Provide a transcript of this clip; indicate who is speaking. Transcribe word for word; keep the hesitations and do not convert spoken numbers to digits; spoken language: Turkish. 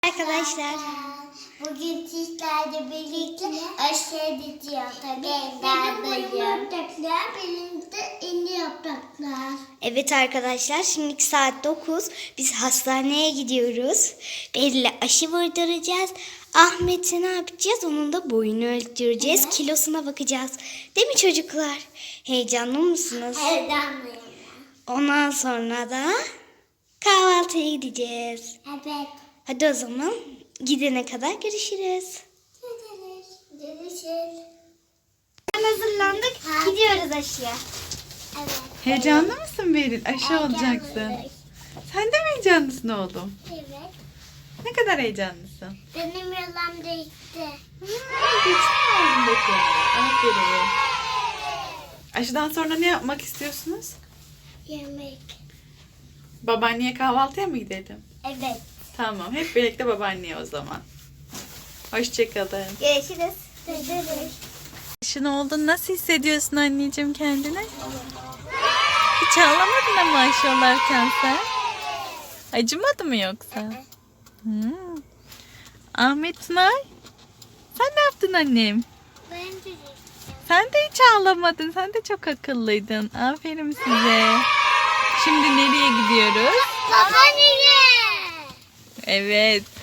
Speaker 1: Arkadaşlar,
Speaker 2: bugün sizlerle birlikte aşağı gidiyor. Tabii ender bölüm. Benim de indi yapraklar.
Speaker 1: evet arkadaşlar, şimdiki saat dokuz. Biz hastaneye gidiyoruz. Beril'e aşı vurduracağız. Ahmet'e ne yapacağız? Onun da boyunu ölçtüreceğiz.
Speaker 2: Evet.
Speaker 1: Kilosuna bakacağız. Değil mi çocuklar? Heyecanlı mısınız?
Speaker 2: Heyecanlıyım.
Speaker 1: Ondan sonra da kahvaltıya gideceğiz.
Speaker 2: Evet.
Speaker 1: Hadi o zaman gidene kadar görüşürüz.
Speaker 2: Görüşürüz. Görüşürüz.
Speaker 1: Hazırlandık.
Speaker 2: Ha.
Speaker 1: Gidiyoruz aşıya.
Speaker 2: Evet.
Speaker 3: Heyecanlı mısın Beril? Aşı olacaksın.
Speaker 2: Heyecanlıyım.
Speaker 3: Sen de mi heyecanlısın oğlum?
Speaker 2: Evet.
Speaker 3: Ne kadar heyecanlısın?
Speaker 2: Benim yalan değişti.
Speaker 3: Geçti oğlum bakayım. Aferin. Aşıdan sonra ne yapmak istiyorsunuz?
Speaker 2: Yemek.
Speaker 3: Babaanneye kahvaltıya mı gidelim?
Speaker 2: Evet.
Speaker 3: Tamam. Hep birlikte babaanneye o zaman. Hoşçakalın.
Speaker 1: Görüşürüz.
Speaker 2: Görüşürüz.
Speaker 3: Aşın oldun. Nasıl hissediyorsun anneciğim kendini? Hiç ağlamadın ama aşı olarken sen. Acımadı mı yoksa? Hmm. Ahmet Tunay. Sen ne yaptın annem?
Speaker 2: Ben de
Speaker 3: Sen de hiç ağlamadın. Sen de çok akıllıydın. Aferin size. Şimdi nereye gidiyoruz?
Speaker 2: Babaanneye.
Speaker 3: Evet.